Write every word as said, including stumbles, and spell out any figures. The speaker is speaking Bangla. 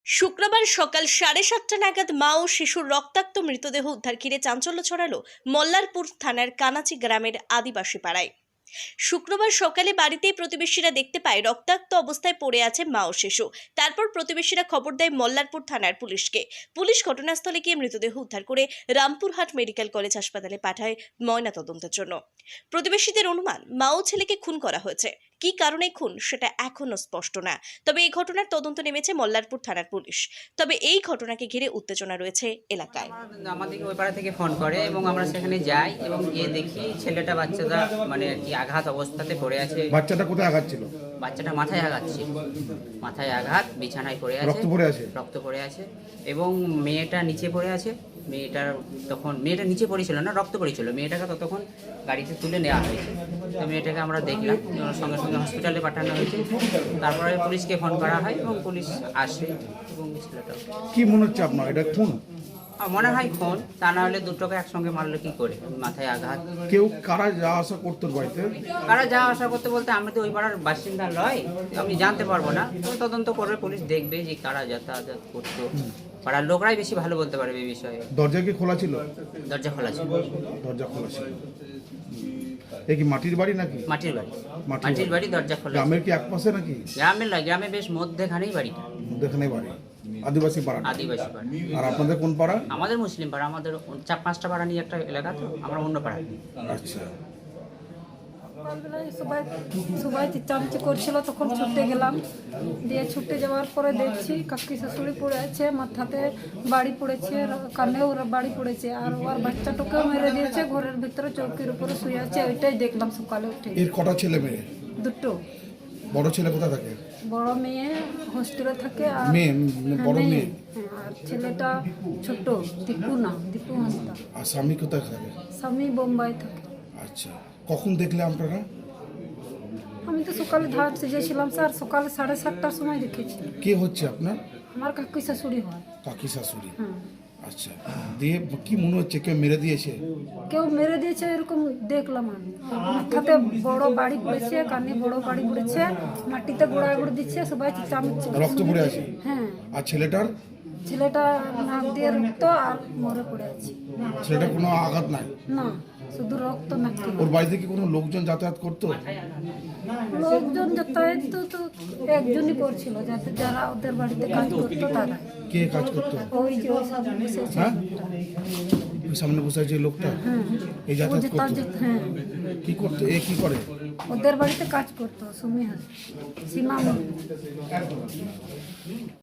শুক্রবার সকাল সাড়ে সাতটা নাগাদ মা ও শিশুর রক্তাক্ত মৃতদেহ উদ্ধার ঘিরে চাঞ্চল্য ছড়ালো মল্লারপুর থানার কানাচি গ্রামের আদিবাসী পাড়ায়। শুক্রবার সকালে বাড়িতেই প্রতিবেশীরা দেখতে পায় রক্তাক্ত অবস্থায় পড়ে আছে মা ও শিশু। তারপর প্রতিবেশীরা খবর দেয় মল্লারপুর থানার পুলিশকে। পুলিশ ঘটনাস্থলে গিয়ে মৃতদেহ উদ্ধার করে রামপুরহাট মেডিকেল কলেজ হাসপাতালে পাঠায় ময়নাতদন্তের জন্য। প্রতিবেশীদের অনুমান মা ও ছেলেকে খুন করা হয়েছে। কি কারণে খুন সেটা এখনো স্পষ্ট না। তবে এই ঘটনার তদন্ত নেমেছে মল্লারপুর থানার পুলিশ। তবে এই ঘটনাকে ঘিরে উত্তেজনা রয়েছে এলাকায়। আমাদেরকে ওই পাড়া থেকে ফোন করে এবং আমরা সেখানে যাই এবং গিয়ে দেখি ছেলেটা বাচ্চাটা মানে কি আঘাত অবস্থাতে পড়ে আছে। বাচ্চাটা কোথায় আঘাত ছিল? বাচ্চাটা মাথায় আঘাত ছিল, মাথায় আঘাত, বিছানায় পড়ে আছে, রক্ত পড়ে আছে রক্ত পড়ে আছে এবং মেয়েটা নিচে পড়ে আছে। মেয়েটার তখন মেয়েটা নিচে পড়েছিল না, রক্ত পড়েছিল। মেয়েটাকে ততক্ষণ গাড়িতে তুলে নেওয়া হয়েছে। তো মেয়েটাকে আমরা দেখলাম, সঙ্গে সঙ্গে হসপিটালে পাঠানো হয়েছে। তারপরে পুলিশকে ফোন করা হয় এবং পুলিশ আসে এবং ছেলেটা। কি মনে হচ্ছে আপনার, এটা খুন? মনে হয় খুন, তা না হলে দুটোকে একসঙ্গে মারলো কি করে? মাথায় আঘাত। কেউ কারা যাওয়া আসা করতো বাড়িতে? কারা যাওয়া আসা করতে বলতে আমি তো ওই পাড়ার বাসিন্দা নয়, আমি জানতে পারবো না। তো তদন্ত করবে পুলিশ, দেখবে যে কারা যাতায়াত করতো। পাড়ার লোকরাই বেশি ভালো বলতে পারবে এই বিষয়ে। দরজা কি খোলা ছিল? দরজা খোলা ছিল। দরজা খোলা ছিল। এ কি মাটির বাড়ি নাকি? মাটির বাড়ি। মাটির মাটির বাড়ি, দরজা খোলা। গ্রামের কি এক পাশে নাকি? গ্রামের নয়, গ্রামে বেশ মধ্যেখানেই বাড়িটা। মধ্যেখানে বাড়ি, আদিবাসী পাড়া। আদিবাসী পাড়া। আর আপনাদের কোন পাড়া? আমাদের মুসলিম পাড়া। আমাদের চার পাঁচটা পাড়া নিয়ে একটা এলাকা, তো আমরা অন্য পাড়া। আচ্ছা, সবাই সবাই চিচামিচি করছিল, তখন ছুটে গেলাম। দিয়ে ছুটে যাওয়ার পরে দেখছি কাকি শাশুড়ি পড়ে আছে, মাথাতে বাড়ি পড়েছে, কানেও বাড়ি পড়েছে, আর ওর বাচ্চাটাকেও মেরে দিয়েছে। ঘরের ভিতরে চৌকির উপরে শুয়ে আছে। ওইটাই দেখলাম সকালে উঠে। এর কটা ছেলে মেয়ে? দুটো। বড় ছেলে কোথায় থাকে? বড় মেয়ে হোস্টেলে থাকে, আর মেয়ে বড় হ্যাঁ, মেয়ে। হ্যাঁ, আর ছেলেটা ছোট, দীপু না, দীপু হাঁসদা। আর স্বামী কোথায় থাকে? স্বামী বোম্বাই থাকে। আচ্ছা, কখন দেখলে আপনারা? আমি তো সকালে ধার সেজেছিলাম স্যার, সকালে সাড়ে সাতটার সময় দেখেছি। কে হচ্ছে আপনার? আমার কাকি শাশুড়ি হয়। কাকি শাশুড়ি। হুম। আচ্ছা, দিয়ে কি মনে হচ্ছে কেউ মেরে দিয়েছে? কেউ মেরে দিয়েছে এরকম দেখলাম আমি। মাথাতে বড় বাড়ি পড়েছে, কানে বড় বাড়ি পড়েছে, মাটিতে গোড়ায় গোড় দিচ্ছে, সবাই চামচ। রক্ত পড়ে আছে? হ্যাঁ। আর ছেলেটার? ছেলেটা নাক দিয়ে রক্ত আর মরে পড়ে আছে। ছেলেটার কোনো আঘাত নাই? না, শুধু রক্ত নাকি। ওর বাড়িতে কি কোনো লোকজন যাতায়াত করতো? লোকজন যাতায়াত তো তো একজনই করছিল, যাতে যারা ওদের বাড়িতে কাজ করতো তারা। কে কাজ করতো? ওই যে ওই সামনে বসেছে হ্যাঁ? লোকটা। ওই সামনে বসে আছে এই লোকটা? হ্যাঁ। এই ও যাতায়াত যেতা করতো? যেত- হ্যাঁ, কি করতো? এ কি করে? ওদের বাড়িতে কাজ করতো। সুমি হাস, সীমা মন্ডল।